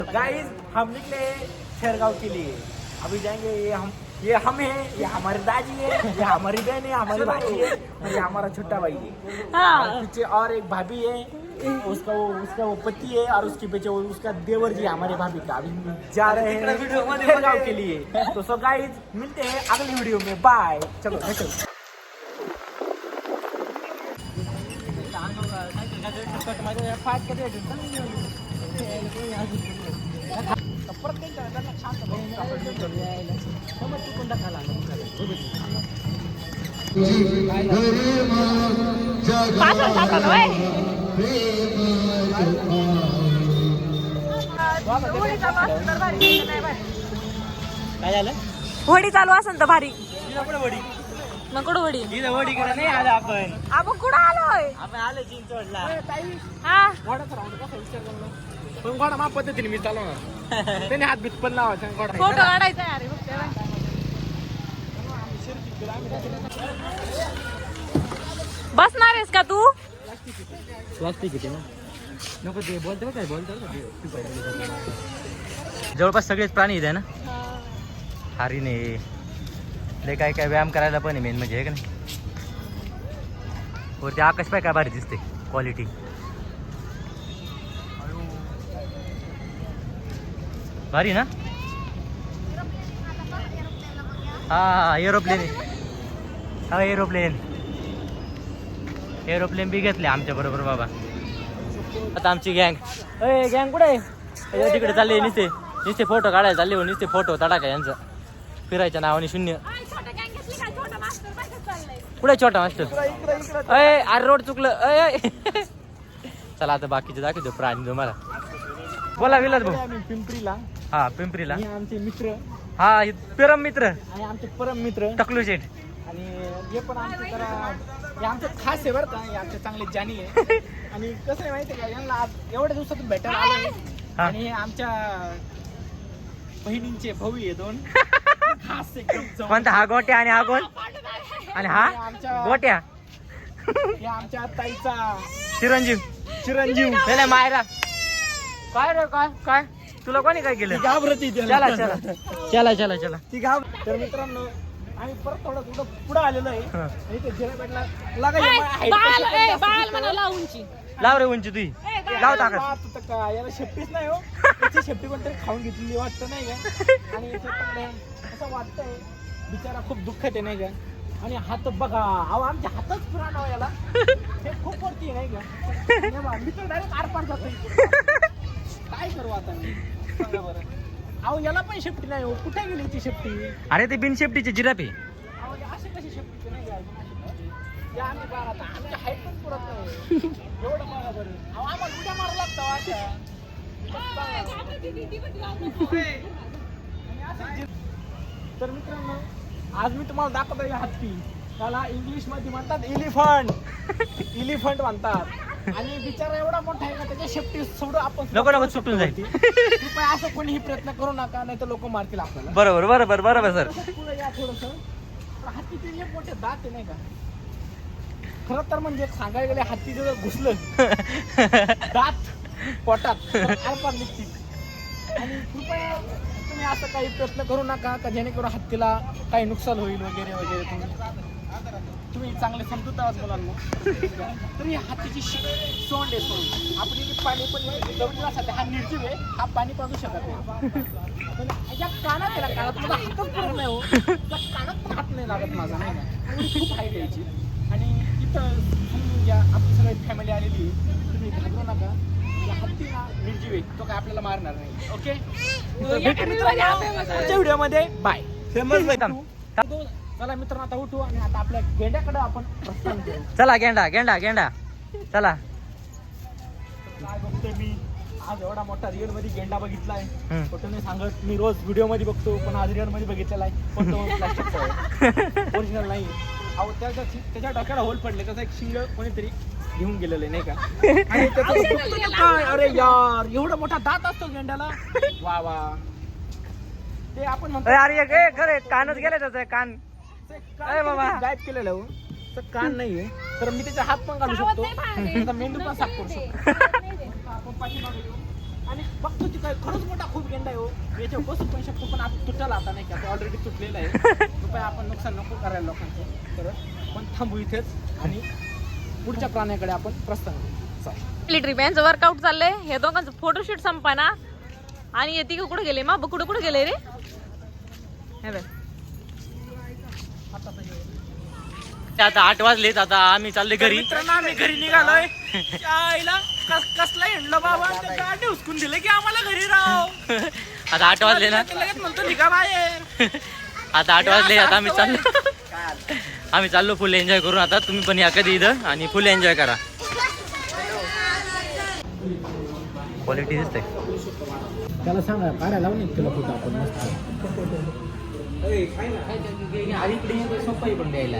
Guys हम निकले शेरगांव के लिए। अभी जाएंगे ये हम है, ये हमारे दादी है, ये हमारी बहन है, हमारी भाई है और ये हमारा छोटा भाई है। और पीछे और एक भाभी है, उसका वो पति है और उसके पीछे उसका देवर जी हमारे भाभी का। अभी जा रहे हैं शेरगांव के लिए। तो सो गाइस मिलते हैं अगली वीडियो में, बाय। चलो चलो। होडी चालू असेल तर भारी नको होडी वडीकडे नाही आलो आपण कुठं आलोय आपण आलो चिंचवडला। हा पण घोडा मा पद्धतीने मी चालवणार, त्याने हात बीत पण लावायचा घोडा फोटो काढायचा यार बसणार आहेस का तू? प्लास्टिक येते ना, नको ते बोलतो काय बोलतो जवळपास सगळेच प्राणी इथे ना, हरिणे लय काय काय व्यायाम करायला पण आहे मेन म्हणजे, आहे का नाही? वरती आकाश पाय काय भारी दिसते, क्वालिटी भारी ना। हा एरोप्लेन आहे, हा एरोप्लेन बी घेतले आमच्या बरोबर बाबा। आता आमची गँग कुठे आहे? तिकडे चालले नुसते फोटो काढायला चालले हो, नुसते फोटो तडा काय यांचं फिरायच्या नावाने शून्य। कुठे छोटा मास्टर? अरे रोड चुकलं। चला आता बाकीचे दाखवतो प्राणी तुम्हाला। बोला विलास भाऊ। पिंपरीला, हा पिंपरीला आमचे मित्र, हा परम मित्र आणि आमचे परम मित्र टकलू शेठ। आणि हे पण आमचे जरा हे आमचं खास आहे बरं का, हे आमचे चांगले जाणी आहे। आणि कसं आहे माहिती आहे का, यांना आज एवढ्या दिवसातून भेटायला आलोय आणि हे आमच्या बहिणींचे भाऊ आहे दोन खास एकदम। कोणता? हा गोट्या आणि हा कोण? आणि हा आमच्या गोट्या, हे आमच्या ताईचा चिरंजीव त्याला मायरा। काय रे काय तुला कोणी काय केलं? घाबरती चला ती घाब। तर मित्रांनो आम्ही परत थोडं पुढे आलेलो आहे आणि ते जिरापेटला लाव रे उंची तुझी लाव टाकत याला शेपटीच नाही हो, त्याची शेपटी कोणतरी खाऊन घेतलेली वाटतं नाही का। आणि असं वाटतंय बिचारा खूप दुःखात आहे नाही का। आणि हात बघा, अहो आमच्या हातच पुराण हो याला, हे खूप वरती नाही का। मी तर डायरेक्ट आरपार जातोय, काय करू आता मी सांगा बरं। अहो याला पण शेपटी नाही हो, कुठे गेली ती शेपटी? अरे ते बिन शेपटीचे जिराफे। अहो असे कशी शेपटी नाही घ्यायची आम्ही बघा आता, आमची हाईट पण पुरत नाही एवढं बघा बरं। अहो आम्हाला उड्या मारू लागतं अशा। तर मित्रांनो आज मी तुम्हाला दाखवतो आहे हत्ती, त्याला इंग्लिश मध्ये म्हणतात इलिफंट म्हणतात। आणि बिचारा एवढा मोठा आहे का, त्याच्या शेपटी सोडून आपण नको सुटून जाईल। कृपया असं कोणीही प्रयत्न करू नका, नाही तर लोक मारतील आपल्याला। बरोबर सर। पुढे या थोडस, हत्तीचे जे मोठे दात आहे नाही का, खरं तर म्हणजे सांगायला गेले हत्ती जर घुसलं दात पोटात आरपार निघतील। आणि कृपया तुम्ही असं काही प्रयत्न करू नका का जेणेकरून हत्तीला काही नुकसान होईल वगैरे वगैरे। तुम्ही चांगले समजूत आहात मुलांना। तर ही हत्तीची सोंड आहे, सोंड आपण इथे पाणी पण जवळला हा निर्जीव आहे, हा पाणी पाजू शकत नाही। पण या कानात आहे ना, कानात मला हातच पुरत नाही हो, त्या कानात पण हात नाही लागत माझा नाही का, खूप हाईट यायची। आणि इथं समजून घ्या आपली सगळी फॅमिली आलेली आहे, तुम्ही घाबरू नका। या हत्ती ना निर्जीव आहे, तो काय आपल्याला मारणार नाही। ओके पुढच्या व्हिडिओमध्ये बाय। चला मित्रांनो आता उठू आणि आता आपल्या गेंड्याकडे आपण प्रस्थान करू। चला गेंडा चला। काय बघतोय मी आज एवढा मोठा रिअल मध्ये गेंडा बघितलाय, फोटो नाही सांगत, मी रोज व्हिडिओ मध्ये बघतो पण आज रिअल मध्ये बघितलेला आहे। पण तो प्लास्टिकचा ओरिजिनल नाही। अहो त्याच्या डोक्याला होल पडले, त्याचा एक शिंग कोणीतरी घेऊन गेलेलं आहे नाही का। आणि काय अरे यार एवढा मोठा दात असतो गेंड्याला, वा ते आपण म्हणतो अरे खरे कानच गेले त्याचा कान बाबा गायब केलेलं हो, तर कान नाहीये। तर मी त्याचा हात पण काढू शकतो, त्याचा मेंदू पण साफ करू शकतो। आपण पाठीमागे येऊ आणि बघतो ती काय खरंच मोठा खूप गेंडा आहे हो. याच्यावर बसू पण शकतो पण आता तुटायला आता नाही का ऑलरेडी तुटलेला आहे. कृपया आपण नुकसान नको करायला लोकांचं. तर पण थांबू इथेच आणि पुढच्या प्राण्याकडे आपण प्रस्थान करू. चला. ट्रिप यांचं वर्कआउट चाललंय. हे दोघांचं फोटोशूट संपाना आणि येते का कुठे गेले मग कुठे गेले रे. हे बघ. आता 8 वाजलेत. आता आम्ही चालले घरी. मित्रांनो आम्ही घरी निघालोय. आईला कसला हिंडलो बाबा त्या गाडी उचकून दिले की आम्हाला घरी राव. आता 8 वाजले ना. लगेच म्हणतो निघा बाहेर. आता 8 वाजले. आता आम्ही चाललो फुल एन्जॉय करून. आता तुम्ही पण या कधी इथं आणि फुल एन्जॉय करा. क्वालिटी दिसते. त्याला सांगा काढायला लावून तुला फोटो आपण मस्त.